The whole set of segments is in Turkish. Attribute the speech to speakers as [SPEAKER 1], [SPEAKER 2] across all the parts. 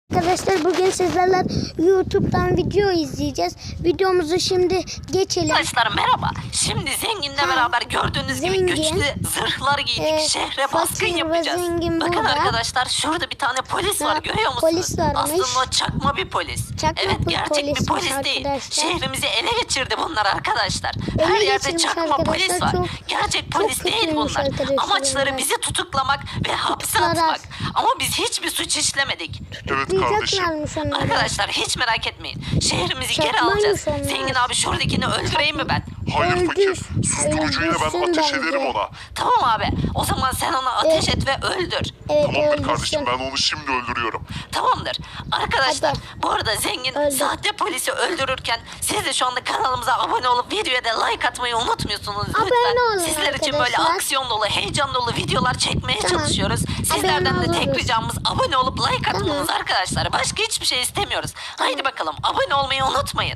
[SPEAKER 1] Arkadaşlar bugün sizlerle YouTube'dan video izleyeceğiz. Videomuzu şimdi geçelim.
[SPEAKER 2] Arkadaşlar merhaba. Şimdi Zengin'le beraber gördüğünüz gibi güçlü zırhlar giydik. Şehre baskın
[SPEAKER 1] fakir ve
[SPEAKER 2] yapacağız.
[SPEAKER 1] zengin
[SPEAKER 2] Bakın
[SPEAKER 1] burada.
[SPEAKER 2] arkadaşlar şurada bir tane polis var, görüyor musunuz?
[SPEAKER 1] Polis varmış.
[SPEAKER 2] Aslında o çakma bir polis.
[SPEAKER 1] Çakma
[SPEAKER 2] Evet,
[SPEAKER 1] bir
[SPEAKER 2] gerçek bir
[SPEAKER 1] polismiş
[SPEAKER 2] polis değil.
[SPEAKER 1] arkadaşlar.
[SPEAKER 2] Şehrimizi ele geçirdi bunlar arkadaşlar.
[SPEAKER 1] Ele
[SPEAKER 2] Her yerde
[SPEAKER 1] geçirmiş
[SPEAKER 2] çakma
[SPEAKER 1] arkadaşlar.
[SPEAKER 2] polis var. Gerçek polis değil
[SPEAKER 1] kötüymüş
[SPEAKER 2] bunlar.
[SPEAKER 1] arkadaşlar
[SPEAKER 2] Amaçları
[SPEAKER 1] bunlar.
[SPEAKER 2] bizi tutuklamak ve hapse
[SPEAKER 1] Tutuklarak.
[SPEAKER 2] atmak. Ama biz hiçbir suç işlemedik.
[SPEAKER 3] Evet kardeşim.
[SPEAKER 1] Diyeceklermiş onları.
[SPEAKER 2] Arkadaşlar hiç merak etmeyin. Şehrimizi geri
[SPEAKER 1] Çakmaymış
[SPEAKER 2] alacağız.
[SPEAKER 1] onlar.
[SPEAKER 2] Zengin abi şuradakini öldüreyim mi ben?
[SPEAKER 3] Hayır
[SPEAKER 1] Öldür.
[SPEAKER 3] fakir. Susturucuyla ben
[SPEAKER 1] Öldürsün
[SPEAKER 3] ateş
[SPEAKER 1] bence.
[SPEAKER 3] ederim ona.
[SPEAKER 2] Tamam abi. O zaman sen ona ateş et ve öldür.
[SPEAKER 1] Evet,
[SPEAKER 3] Tamamdır
[SPEAKER 1] öldürsün.
[SPEAKER 3] kardeşim, ben onu şimdi öldürüyorum.
[SPEAKER 2] Tamamdır. Arkadaşlar
[SPEAKER 1] Hadi.
[SPEAKER 2] bu arada Zengin
[SPEAKER 1] Öldür.
[SPEAKER 2] sahte polisi öldürürken siz de şu anda kanalımıza abone olup videoya da like atmayı unutmuyorsunuz.
[SPEAKER 1] Abone
[SPEAKER 2] Lütfen.
[SPEAKER 1] olun
[SPEAKER 2] Sizler için böyle
[SPEAKER 1] arkadaşlar.
[SPEAKER 2] aksiyon dolu, heyecan dolu videolar çekmeye
[SPEAKER 1] Tamam.
[SPEAKER 2] çalışıyoruz. Sizlerden
[SPEAKER 1] Abone
[SPEAKER 2] de tek
[SPEAKER 1] oluruz.
[SPEAKER 2] ricamız abone olup like atmanız
[SPEAKER 1] Tamam.
[SPEAKER 2] arkadaşlar. Başka hiçbir şey istemiyoruz. Haydi bakalım abone olmayı unutmayın.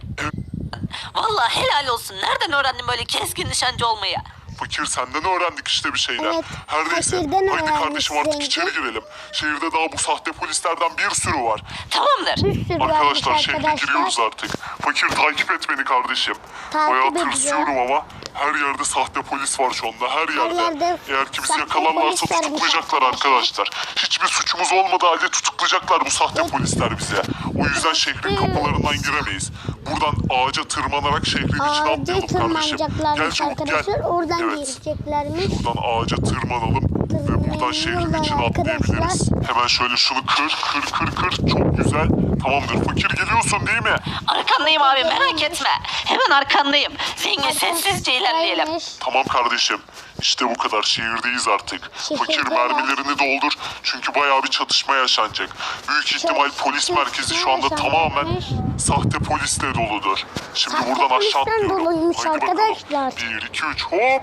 [SPEAKER 2] Vallahi helal olsun. Nereden öğrendin böyle keskin nişancı olmayı?
[SPEAKER 3] Fakir, senden öğrendik işte bir şeyler.
[SPEAKER 1] Evet,
[SPEAKER 3] Her neyse.
[SPEAKER 1] fakirden
[SPEAKER 3] Haydi
[SPEAKER 1] öğrendik
[SPEAKER 3] kardeşim artık
[SPEAKER 1] zengin.
[SPEAKER 3] içeri girelim. Şehirde daha bu sahte polislerden bir sürü var.
[SPEAKER 2] Tamamdır.
[SPEAKER 1] Bir sürü
[SPEAKER 3] Arkadaşlar
[SPEAKER 1] varmış
[SPEAKER 3] şehre
[SPEAKER 1] arkadaşlar.
[SPEAKER 3] giriyoruz artık. Fakir, takip et beni kardeşim.
[SPEAKER 1] Takip
[SPEAKER 3] Bayağı
[SPEAKER 1] ediyorum.
[SPEAKER 3] tırsıyorum ama her yerde sahte polis var şu anda, her yerde.
[SPEAKER 1] yerde
[SPEAKER 3] Eğer ki bizi
[SPEAKER 1] sahte
[SPEAKER 3] yakalarlarsa
[SPEAKER 1] polis varmış
[SPEAKER 3] tutuklayacaklar arkadaşlar. Hiçbir suçumuz olmadığı halde tutuklayacaklar bu sahte polisler bize. O yüzden şehrin kapılarından giremeyiz. Buradan ağaca tırmanarak şehrin içine
[SPEAKER 1] Ağaca
[SPEAKER 3] atlayalım kardeşim. Gel
[SPEAKER 1] tırmanacaklarmış
[SPEAKER 3] çabuk gel.
[SPEAKER 1] arkadaşlar. Oradan
[SPEAKER 3] Evet.
[SPEAKER 1] gireceklermiş.
[SPEAKER 3] Buradan ağaca tırmanalım ve buradan şehrin
[SPEAKER 1] Tırmanıyorlar
[SPEAKER 3] içine atlayabiliriz.
[SPEAKER 1] arkadaşlar.
[SPEAKER 3] Hemen şöyle şunu kır. Çok güzel. Tamamdır. Fakir, geliyorsun değil mi?
[SPEAKER 2] Arkandayım abi, merak etme. Hemen arkandayım. Zengin sessizce ilerleyelim.
[SPEAKER 1] Arkadaşlarmış.
[SPEAKER 3] Tamam kardeşim. İşte bu kadar. Şehirdeyiz artık. Fakir,
[SPEAKER 1] Şehirdeler.
[SPEAKER 3] mermilerini doldur. Çünkü bayağı bir çatışma yaşanacak. Büyük ihtimal polis merkezi şu anda
[SPEAKER 1] yaşanacakmış.
[SPEAKER 3] tamamen sahte polisle doludur. Şimdi
[SPEAKER 1] Sahte
[SPEAKER 3] buradan aşağı
[SPEAKER 1] polisten
[SPEAKER 3] atlıyorum.
[SPEAKER 1] doluymuş
[SPEAKER 3] Haydi bakalım.
[SPEAKER 1] arkadaşlar.
[SPEAKER 3] 1, 2, 3, hop.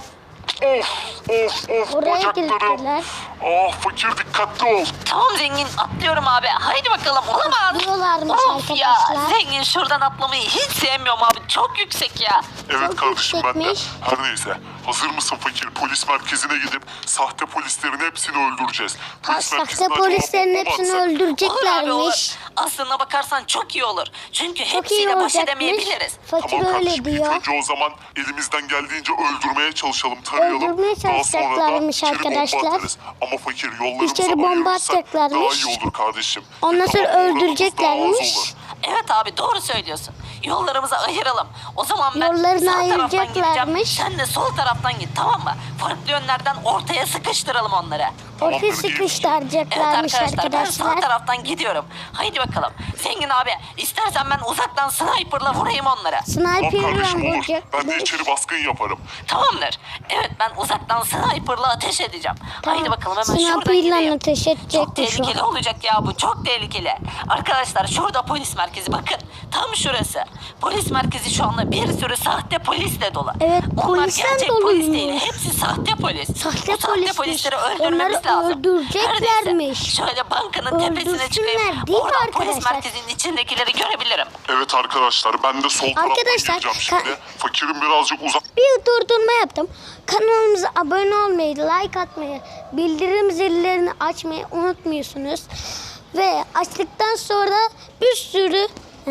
[SPEAKER 3] Of.
[SPEAKER 1] Oraya
[SPEAKER 3] Bacaklarım.
[SPEAKER 1] girdiler.
[SPEAKER 3] Ah fakir, dikkatli ol.
[SPEAKER 2] Tamam Zengin, atlıyorum abi. Haydi bakalım, olamaz.
[SPEAKER 1] Atlıyorlarmış
[SPEAKER 2] Of ya,
[SPEAKER 1] arkadaşlar.
[SPEAKER 2] Zengin şuradan atlamayı hiç sevmiyorum abi. Çok yüksek ya.
[SPEAKER 3] Evet
[SPEAKER 1] Çok
[SPEAKER 3] kardeşim, ben de.
[SPEAKER 1] yüksekmiş.
[SPEAKER 3] Her neyse. Hazır mısın fakir? Polis merkezine gidip sahte polislerin hepsini öldüreceğiz. Polis
[SPEAKER 1] Sahte
[SPEAKER 3] merkezine acaba
[SPEAKER 1] polislerin
[SPEAKER 3] bomba
[SPEAKER 1] hepsini
[SPEAKER 3] atsak?
[SPEAKER 2] Olur abi, olur.
[SPEAKER 1] öldüreceklermiş.
[SPEAKER 2] Aslına bakarsan çok iyi olur. Çünkü
[SPEAKER 1] Çok iyi
[SPEAKER 2] hepsiyle baş
[SPEAKER 1] olacakmış.
[SPEAKER 2] edemeyebiliriz.
[SPEAKER 1] Fakir
[SPEAKER 3] Tamam
[SPEAKER 1] öyle
[SPEAKER 3] kardeşim, ilk
[SPEAKER 1] diyor.
[SPEAKER 3] önce o zaman elimizden geldiğince öldürmeye çalışalım, tarayalım.
[SPEAKER 1] Öldürmeye
[SPEAKER 3] Daha sonra da
[SPEAKER 1] çalışacaklarmış
[SPEAKER 3] içeri bomba
[SPEAKER 1] arkadaşlar.
[SPEAKER 3] atarız. Ama fakir, yollarımıza
[SPEAKER 1] İçeri bomba
[SPEAKER 3] ayırırsak
[SPEAKER 1] atacaklarmış.
[SPEAKER 3] daha iyi olur kardeşim.
[SPEAKER 1] Ondan sonra
[SPEAKER 3] Daha uğramamız
[SPEAKER 1] öldüreceklermiş.
[SPEAKER 3] daha az olur.
[SPEAKER 2] Evet abi, doğru söylüyorsun. Yollarımızı ayıralım. O zaman ben
[SPEAKER 1] Yollarını
[SPEAKER 2] sağ taraftan gideceğim.
[SPEAKER 1] ayıracaklarmış.
[SPEAKER 2] Sen de sol taraftan git, tamam mı? Farklı yönlerden ortaya sıkıştıralım onları.
[SPEAKER 1] Ortaya
[SPEAKER 3] Tamamdır, iyi.
[SPEAKER 2] Evet
[SPEAKER 1] sıkıştıracaklarmış
[SPEAKER 2] arkadaşlar, ben sağ
[SPEAKER 1] arkadaşlar.
[SPEAKER 2] taraftan gidiyorum. Haydi bakalım. Zengin abi, istersen ben uzaktan sniper'la vurayım onları.
[SPEAKER 3] Tamam
[SPEAKER 1] Sniper'la
[SPEAKER 3] kardeşim, olur.
[SPEAKER 1] vuracak.
[SPEAKER 3] Ben de içeri baskın yaparım.
[SPEAKER 2] Tamamdır. Evet, ben uzaktan sniper'la ateş edeceğim. Haydi bakalım, hemen şuradan
[SPEAKER 1] Sniper'la
[SPEAKER 2] gideyim.
[SPEAKER 1] ateş
[SPEAKER 2] Çok
[SPEAKER 1] edecekmiş o.
[SPEAKER 2] tehlikeli olacak ya bu, çok tehlikeli. Arkadaşlar şurada polis merkezi, bakın. Tam şurası. Polis merkezi şu anda bir sürü sahte polisle dolu.
[SPEAKER 1] Evet,
[SPEAKER 2] Onlar
[SPEAKER 1] polisten
[SPEAKER 2] gerçek polis değil.
[SPEAKER 1] doluymuş.
[SPEAKER 2] Hepsi sahte polis.
[SPEAKER 1] Sahte
[SPEAKER 2] Bu sahte
[SPEAKER 1] polismiş.
[SPEAKER 2] polisleri öldürmemiz
[SPEAKER 1] Onları
[SPEAKER 2] lazım.
[SPEAKER 1] öldüreceklermiş.
[SPEAKER 2] Her neyse, şöyle bankanın tepesine
[SPEAKER 1] Öldürsünler,
[SPEAKER 2] çıkayım.
[SPEAKER 1] değil mi
[SPEAKER 2] Oradan polis
[SPEAKER 1] arkadaşlar?
[SPEAKER 2] merkezinin içindekileri görebilirim.
[SPEAKER 3] Evet arkadaşlar, ben de sol taraftan
[SPEAKER 1] Arkadaşlar,
[SPEAKER 3] gireceğim şimdi. Fakirin birazcık uzak.
[SPEAKER 1] Bir durdurma yaptım. Kanalımıza abone olmayı, like atmayı, bildirim zillerini açmayı unutmuyorsunuz. Ve açtıktan sonra bir sürü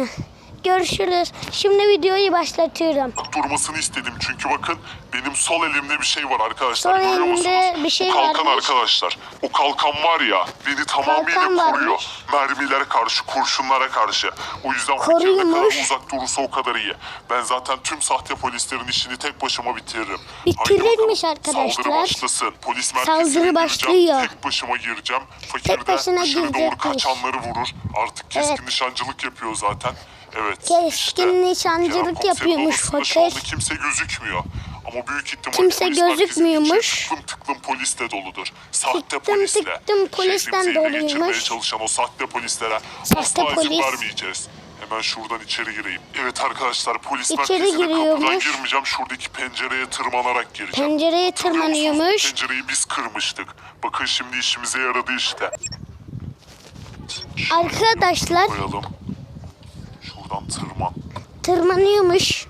[SPEAKER 1] görüşürüz. Şimdi videoyu başlatıyorum.
[SPEAKER 3] durmasını istedim. Çünkü bakın, benim sol elimde bir şey var arkadaşlar.
[SPEAKER 1] Sol
[SPEAKER 3] Görüyor
[SPEAKER 1] elimde
[SPEAKER 3] musunuz?
[SPEAKER 1] bir şey
[SPEAKER 3] Bu kalkan
[SPEAKER 1] varmış.
[SPEAKER 3] arkadaşlar. O kalkan var ya, beni tamamıyla
[SPEAKER 1] Kalkan
[SPEAKER 3] koruyor.
[SPEAKER 1] varmış.
[SPEAKER 3] Mermilere karşı, kurşunlara karşı. O yüzden fakir ne
[SPEAKER 1] Koruyormuş.
[SPEAKER 3] kadar uzak durursa o kadar iyi. Ben zaten tüm sahte polislerin işini tek başıma bitiririm.
[SPEAKER 1] Bitirirmiş
[SPEAKER 3] Haydi bakalım,
[SPEAKER 1] arkadaşlar.
[SPEAKER 3] Saldırı başlasın. Polis merkezine
[SPEAKER 1] Saldırı
[SPEAKER 3] gireceğim.
[SPEAKER 1] başlıyor.
[SPEAKER 3] Tek başıma gireceğim. Fakir
[SPEAKER 1] Tek başına
[SPEAKER 3] de dışarı doğru
[SPEAKER 1] girecekmiş.
[SPEAKER 3] kaçanları vurur. Artık keskin
[SPEAKER 1] Evet.
[SPEAKER 3] nişancılık yapıyor zaten. Evet.
[SPEAKER 1] Keskin
[SPEAKER 3] işte,
[SPEAKER 1] nişancılık
[SPEAKER 3] Kerem komiserin
[SPEAKER 1] yapıyormuş
[SPEAKER 3] odasında şu anda
[SPEAKER 1] fakir.
[SPEAKER 3] kimse gözükmüyor. Ama büyük ihtimal
[SPEAKER 1] Kimse
[SPEAKER 3] polis merkezinin
[SPEAKER 1] gözükmüyormuş.
[SPEAKER 3] içi tıklım polisle doludur. Sahte
[SPEAKER 1] Tıklım
[SPEAKER 3] polisle.
[SPEAKER 1] tıklım polisten
[SPEAKER 3] Şehrimizi ele geçirmeye
[SPEAKER 1] doluymuş.
[SPEAKER 3] çalışan o sahte polislere
[SPEAKER 1] Sahte
[SPEAKER 3] asla izin
[SPEAKER 1] polis.
[SPEAKER 3] vermeyeceğiz. Hemen şuradan içeri gireyim. Evet arkadaşlar, polis
[SPEAKER 1] İçeri
[SPEAKER 3] merkezine kapıdan
[SPEAKER 1] giriyormuş.
[SPEAKER 3] girmeyeceğim. Şuradaki pencereye tırmanarak gireceğim.
[SPEAKER 1] Pencereye
[SPEAKER 3] Hatırlıyor musunuz?
[SPEAKER 1] tırmanıyormuş.
[SPEAKER 3] Pencereyi biz kırmıştık. Bakın şimdi işimize yaradı işte.
[SPEAKER 1] Arkadaşlar
[SPEAKER 3] Koyalım. Şuradan
[SPEAKER 1] tırmanıyormuş.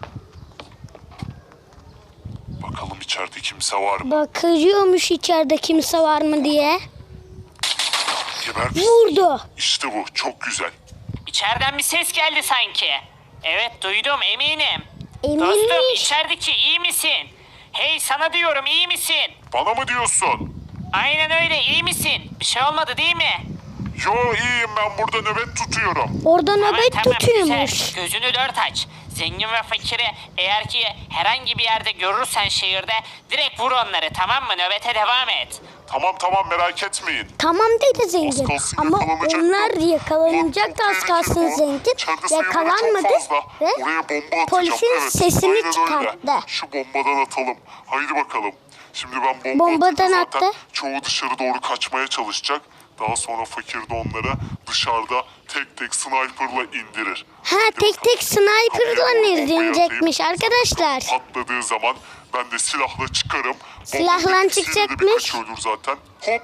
[SPEAKER 3] Bakalım içeride kimse var mı?
[SPEAKER 1] Bakıyormuş içeride kimse var mı diye.
[SPEAKER 3] Geber.
[SPEAKER 1] Vurdu.
[SPEAKER 3] İşte bu. Çok güzel.
[SPEAKER 4] İçeriden bir ses geldi sanki. Evet duydum eminim.
[SPEAKER 1] Eminmiş.
[SPEAKER 4] Dostum içerideki iyi misin? Hey sana diyorum iyi misin?
[SPEAKER 3] Bana mı diyorsun?
[SPEAKER 4] Aynen öyle iyi misin? Bir şey olmadı değil mi?
[SPEAKER 3] Yo iyiyim, ben burada nöbet tutuyorum.
[SPEAKER 1] Orada nöbet
[SPEAKER 4] Tamam,
[SPEAKER 1] tutuyormuş.
[SPEAKER 4] güzel. Gözünü dört aç. Zengin ve fakiri eğer ki herhangi bir yerde görürsen şehirde direkt vur onları tamam mı? Nöbete devam et.
[SPEAKER 3] Tamam merak etmeyin.
[SPEAKER 1] Tamam dedi zengin.
[SPEAKER 3] Az kalsın
[SPEAKER 1] Ama
[SPEAKER 3] yakalanacaktım.
[SPEAKER 1] onlar yakalanacak da az kalsın zengin.
[SPEAKER 3] İçeride sayıları
[SPEAKER 1] Yakalanmadı
[SPEAKER 3] çok fazla.
[SPEAKER 1] ve
[SPEAKER 3] Oraya bomba atacağım.
[SPEAKER 1] polisin
[SPEAKER 3] Evet,
[SPEAKER 1] sesini
[SPEAKER 3] aynen öyle.
[SPEAKER 1] çıkarttı.
[SPEAKER 3] Şu bombadan atalım. Haydi bakalım. Şimdi ben
[SPEAKER 1] Bombadan
[SPEAKER 3] atınca zaten
[SPEAKER 1] attı.
[SPEAKER 3] çoğu dışarı doğru kaçmaya çalışacak. Daha sonra fakir de onları dışarıda tek tek sniper'la indirir.
[SPEAKER 1] Ha
[SPEAKER 3] Haydi
[SPEAKER 1] tek
[SPEAKER 3] bakalım.
[SPEAKER 1] tek sniper'la
[SPEAKER 3] Kapıya doğru bombayı
[SPEAKER 1] indirecekmiş
[SPEAKER 3] atayım.
[SPEAKER 1] arkadaşlar.
[SPEAKER 3] Patladığı zaman ben de silahla çıkarım.
[SPEAKER 1] Silahla
[SPEAKER 3] Bombanın ikisiyle de
[SPEAKER 1] çıkacakmış.
[SPEAKER 3] birkaç ölür zaten. Hop.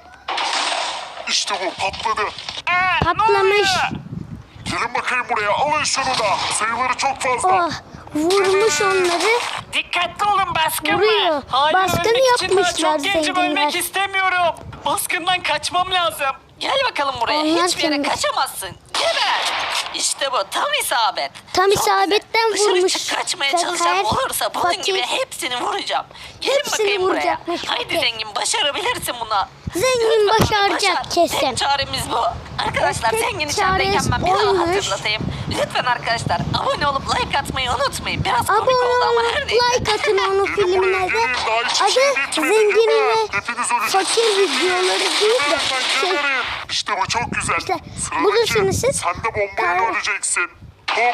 [SPEAKER 3] İşte bu patladı.
[SPEAKER 1] Patlamış.
[SPEAKER 3] Gelin bakayım buraya, alın şunu da. Sayıları çok fazla.
[SPEAKER 1] Oh vurmuş onları.
[SPEAKER 4] Dikkatli olun baskın
[SPEAKER 1] Vuruyor.
[SPEAKER 4] var. Hayır,
[SPEAKER 1] Baskın
[SPEAKER 4] ölmek için daha
[SPEAKER 1] yapmışlar
[SPEAKER 4] çok gencim
[SPEAKER 1] zenginler.
[SPEAKER 4] ölmek istemiyorum. Baskından kaçmam lazım.
[SPEAKER 2] Gel bakalım buraya.
[SPEAKER 1] Onlar
[SPEAKER 2] Hiçbir yere
[SPEAKER 1] kimmiş?
[SPEAKER 2] kaçamazsın. Geber. İşte bu. Tam isabet.
[SPEAKER 1] Tam
[SPEAKER 2] Çok güzel.
[SPEAKER 1] isabetten
[SPEAKER 2] Dışarı
[SPEAKER 1] vurmuş.
[SPEAKER 2] kaçmaya
[SPEAKER 1] Sakar,
[SPEAKER 2] çalışan olursa bunun
[SPEAKER 1] fakir.
[SPEAKER 2] gibi hepsini vuracağım. Gelin
[SPEAKER 1] Hepsini
[SPEAKER 2] bakayım buraya.
[SPEAKER 1] vuracakmış
[SPEAKER 2] Haydi
[SPEAKER 1] fakir.
[SPEAKER 2] zengin başarabilirsin bunu.
[SPEAKER 1] Zengin
[SPEAKER 2] Lütfen
[SPEAKER 1] başaracak
[SPEAKER 2] başar.
[SPEAKER 1] kesin.
[SPEAKER 2] Tek çaremiz bu. Arkadaşlar
[SPEAKER 1] Tek
[SPEAKER 2] zengin
[SPEAKER 1] çaresi
[SPEAKER 2] içerideyken ben bir daha
[SPEAKER 1] oymuş.
[SPEAKER 2] hatırlatayım. Lütfen arkadaşlar abone olup like atmayı unutmayın. Biraz komik
[SPEAKER 1] Abone
[SPEAKER 2] oldu ama
[SPEAKER 1] olup
[SPEAKER 2] her neyse.
[SPEAKER 1] like atın onun
[SPEAKER 3] Gelin buraya,
[SPEAKER 1] filmine de.
[SPEAKER 3] gelin. Daha hiçbir şey
[SPEAKER 1] Adı
[SPEAKER 3] bitmedi.
[SPEAKER 1] zengin
[SPEAKER 3] Geber.
[SPEAKER 1] ve
[SPEAKER 3] Hepiniz öleceksiniz.
[SPEAKER 1] fakir videoları değil de
[SPEAKER 3] Geberin,
[SPEAKER 1] şey,
[SPEAKER 3] geberin. İşte bu çok güzel.
[SPEAKER 1] İşte
[SPEAKER 3] Sıradaki,
[SPEAKER 1] bulursunuz siz.
[SPEAKER 3] sen de bombayla
[SPEAKER 1] Kar-
[SPEAKER 3] öleceksin. Hop.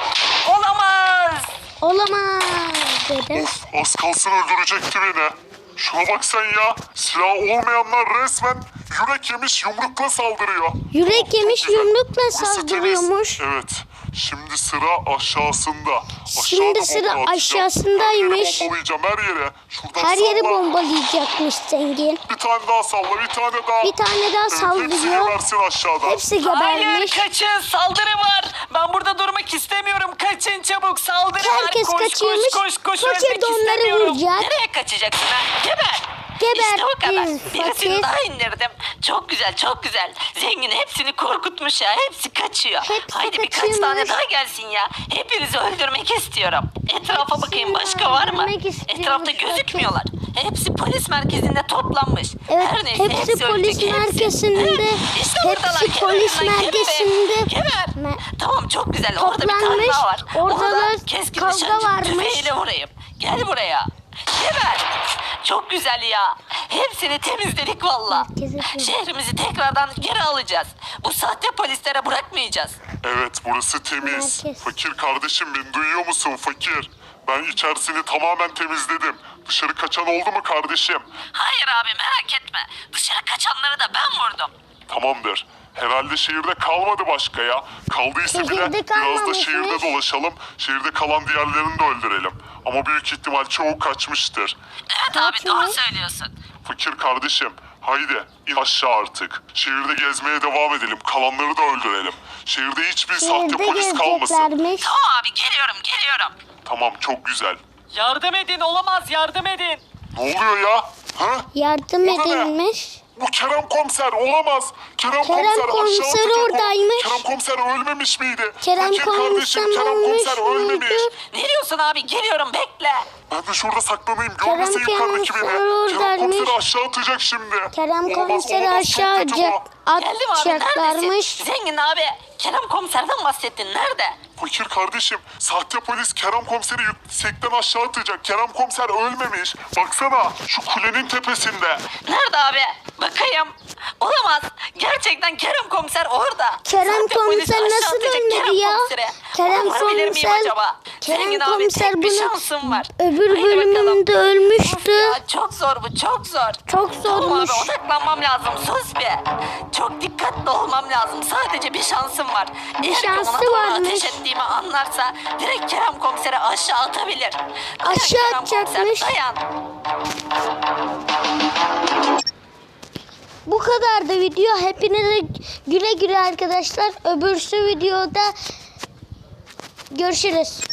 [SPEAKER 2] Olamaz.
[SPEAKER 1] olamaz dedi.
[SPEAKER 3] Of, az kalsın öldürecekti beni. Şuna bak sen ya. Silah olmayanlar resmen yürek yemiş yumrukla saldırıyor.
[SPEAKER 1] Yürek
[SPEAKER 3] Çok
[SPEAKER 1] yemiş
[SPEAKER 3] güzel.
[SPEAKER 1] yumrukla
[SPEAKER 3] Burası temiz.
[SPEAKER 1] saldırıyormuş.
[SPEAKER 3] Evet. Şimdi sıra aşağısında.
[SPEAKER 1] Şimdi
[SPEAKER 3] Aşağıda
[SPEAKER 1] sıra
[SPEAKER 3] bomba atacağım.
[SPEAKER 1] aşağısındaymış.
[SPEAKER 3] Her yeri bombalayacağım her yere. Şuradan
[SPEAKER 1] Her yeri
[SPEAKER 3] salla.
[SPEAKER 1] bombalayacakmış zengin.
[SPEAKER 3] Bir tane daha salla, bir tane daha.
[SPEAKER 1] Bir tane daha
[SPEAKER 3] Evet, hepsi
[SPEAKER 1] saldırıyor.
[SPEAKER 3] gebersin aşağıdan.
[SPEAKER 1] Hepsi
[SPEAKER 4] Hayır
[SPEAKER 1] gebermiş.
[SPEAKER 4] kaçın saldırı var. Ben burada durmak istemiyorum. Kaçın çabuk saldırı
[SPEAKER 1] Herkes
[SPEAKER 4] var. Koş
[SPEAKER 1] kaçıyormuş.
[SPEAKER 4] koş koş koş.
[SPEAKER 1] Fakir
[SPEAKER 4] Ölmek
[SPEAKER 1] de onları
[SPEAKER 4] istemiyorum.
[SPEAKER 1] vuracak.
[SPEAKER 2] Nereye kaçacaksın ha? Geber.
[SPEAKER 1] Geber,
[SPEAKER 2] İşte bu kadar.
[SPEAKER 1] fakir.
[SPEAKER 2] Birisini daha indirdim. Çok güzel, çok güzel. Zengin hepsini korkutmuş ya. Hepsi kaçıyor.
[SPEAKER 1] Hepsi
[SPEAKER 2] Haydi birkaç
[SPEAKER 1] kaçıyormuş.
[SPEAKER 2] tane daha gelsin ya. Hepinizi öldürmek istiyorum. Etrafa bakayım başka var mı?
[SPEAKER 1] öldürmek istiyormuş
[SPEAKER 2] Etrafta
[SPEAKER 1] fakir.
[SPEAKER 2] gözükmüyorlar. Hepsi polis merkezinde toplanmış.
[SPEAKER 1] Evet,
[SPEAKER 2] Her neyse,
[SPEAKER 1] hepsi polis
[SPEAKER 2] ölecek, hepsi.
[SPEAKER 1] merkezinde.
[SPEAKER 2] İşte
[SPEAKER 1] Hepsi
[SPEAKER 2] buradalar. Geber
[SPEAKER 1] polis
[SPEAKER 2] hemen, geber.
[SPEAKER 1] merkezinde.
[SPEAKER 2] Geber.
[SPEAKER 1] Me-
[SPEAKER 2] Tamam çok güzel. Orada bir tane
[SPEAKER 1] Toplanmış.
[SPEAKER 2] daha var.
[SPEAKER 1] Orada
[SPEAKER 2] Onu
[SPEAKER 1] da
[SPEAKER 2] da keskin
[SPEAKER 1] kavga
[SPEAKER 2] nişancı
[SPEAKER 1] varmış.
[SPEAKER 2] tüfeğiyle vurayım. Gel buraya. Geber. Çok güzel ya. Hepsini temizledik valla.
[SPEAKER 1] Herkese temizledik.
[SPEAKER 2] Şehrimizi tekrardan geri alacağız. Bu sahte polislere bırakmayacağız.
[SPEAKER 3] Evet, burası temiz.
[SPEAKER 1] Herkes.
[SPEAKER 3] Fakir kardeşim, beni duyuyor musun fakir? Ben içerisini tamamen temizledim. Dışarı kaçan oldu mu kardeşim?
[SPEAKER 2] Hayır abi merak etme. Dışarı kaçanları da ben vurdum.
[SPEAKER 3] Tamamdır. Herhalde şehirde kalmadı başka ya. Kaldıysa bile
[SPEAKER 1] Şehirde
[SPEAKER 3] biraz da
[SPEAKER 1] kalmamışmış.
[SPEAKER 3] şehirde dolaşalım. Şehirde kalan diğerlerini de öldürelim. Ama büyük ihtimal çoğu kaçmıştır.
[SPEAKER 2] Evet abi doğru
[SPEAKER 1] Kaçmış.
[SPEAKER 2] söylüyorsun.
[SPEAKER 3] Fakir kardeşim, haydi in aşağı artık. Şehirde gezmeye devam edelim. Kalanları da öldürelim. Şehirde hiçbir sahte
[SPEAKER 1] Şehirde
[SPEAKER 3] polis kalmasın.
[SPEAKER 1] gezeceklermiş.
[SPEAKER 2] Tamam abi geliyorum.
[SPEAKER 3] Tamam, çok güzel.
[SPEAKER 4] Yardım edin olamaz yardım edin.
[SPEAKER 3] Ne oluyor ya? Ha?
[SPEAKER 1] Yardım
[SPEAKER 3] O da ne?
[SPEAKER 1] edilmiş.
[SPEAKER 3] Bu Kerem komiser olamaz. Kerem komiser aşağı
[SPEAKER 1] komiser
[SPEAKER 3] atacak o.
[SPEAKER 1] oradaymış.
[SPEAKER 3] Kerem komiser ölmemiş miydi?
[SPEAKER 1] Kerem
[SPEAKER 3] Fakir kardeşim,
[SPEAKER 1] komiser
[SPEAKER 3] Kerem
[SPEAKER 1] ölmüş
[SPEAKER 3] komiser ölmemiş.
[SPEAKER 1] müydü?
[SPEAKER 2] Ne diyorsun abi geliyorum bekle.
[SPEAKER 3] Ben de şurada saklanayım.
[SPEAKER 1] Kerem
[SPEAKER 3] Görmesin yukarıdaki beni.
[SPEAKER 1] komiser
[SPEAKER 3] Kerem
[SPEAKER 1] oradaymış.
[SPEAKER 3] komiseri aşağı atacak şimdi.
[SPEAKER 1] Kerem
[SPEAKER 3] Olamaz,
[SPEAKER 1] komiseri
[SPEAKER 3] olamaz,
[SPEAKER 1] aşağı
[SPEAKER 3] çok kötü bu.
[SPEAKER 2] Geldim abi
[SPEAKER 1] atacaklarmış.
[SPEAKER 2] neredesin? Zengin abi Kerem komiserden bahsettin nerede?
[SPEAKER 3] Fakir kardeşim, sahte polis Kerem komiseri yüksekten aşağı atacak. Kerem komiser ölmemiş. Baksana, şu kulenin tepesinde.
[SPEAKER 2] Nerede abi? Bakayım. Olamaz. Gerçekten Kerem komiser orada.
[SPEAKER 1] Kerem
[SPEAKER 2] Sahte polis
[SPEAKER 1] komiser
[SPEAKER 2] aşağı
[SPEAKER 1] nasıl
[SPEAKER 2] atacak
[SPEAKER 1] ölmedi
[SPEAKER 2] Kerem
[SPEAKER 1] ya?
[SPEAKER 2] komisere.
[SPEAKER 1] Kerem
[SPEAKER 2] Onu vurabilir miyim
[SPEAKER 1] komiser-
[SPEAKER 2] acaba?
[SPEAKER 1] Kerem
[SPEAKER 2] Zengin abi
[SPEAKER 1] komiser
[SPEAKER 2] tek bir
[SPEAKER 1] bunu
[SPEAKER 2] şansım var.
[SPEAKER 1] öbür
[SPEAKER 2] Haydi bakalım.
[SPEAKER 1] bölümünde ölmüştü.
[SPEAKER 2] Of ya, çok zor bu çok zor.
[SPEAKER 1] Çok
[SPEAKER 2] Tamam
[SPEAKER 1] zormuş.
[SPEAKER 2] abi odaklanmam lazım sus be. Çok dikkatli olmam lazım. Sadece bir şansım var. Eğer ki ona
[SPEAKER 1] şansı
[SPEAKER 2] doğru
[SPEAKER 1] varmış.
[SPEAKER 2] ateş ettiğimi anlarsa direkt Kerem komiseri aşağı atabilir. Dayan
[SPEAKER 1] Aşağı
[SPEAKER 2] Kerem komiser,
[SPEAKER 1] atacakmış.
[SPEAKER 2] dayan.
[SPEAKER 1] Bu kadar da video. Hepinize güle güle arkadaşlar. Öbürsü videoda görüşürüz.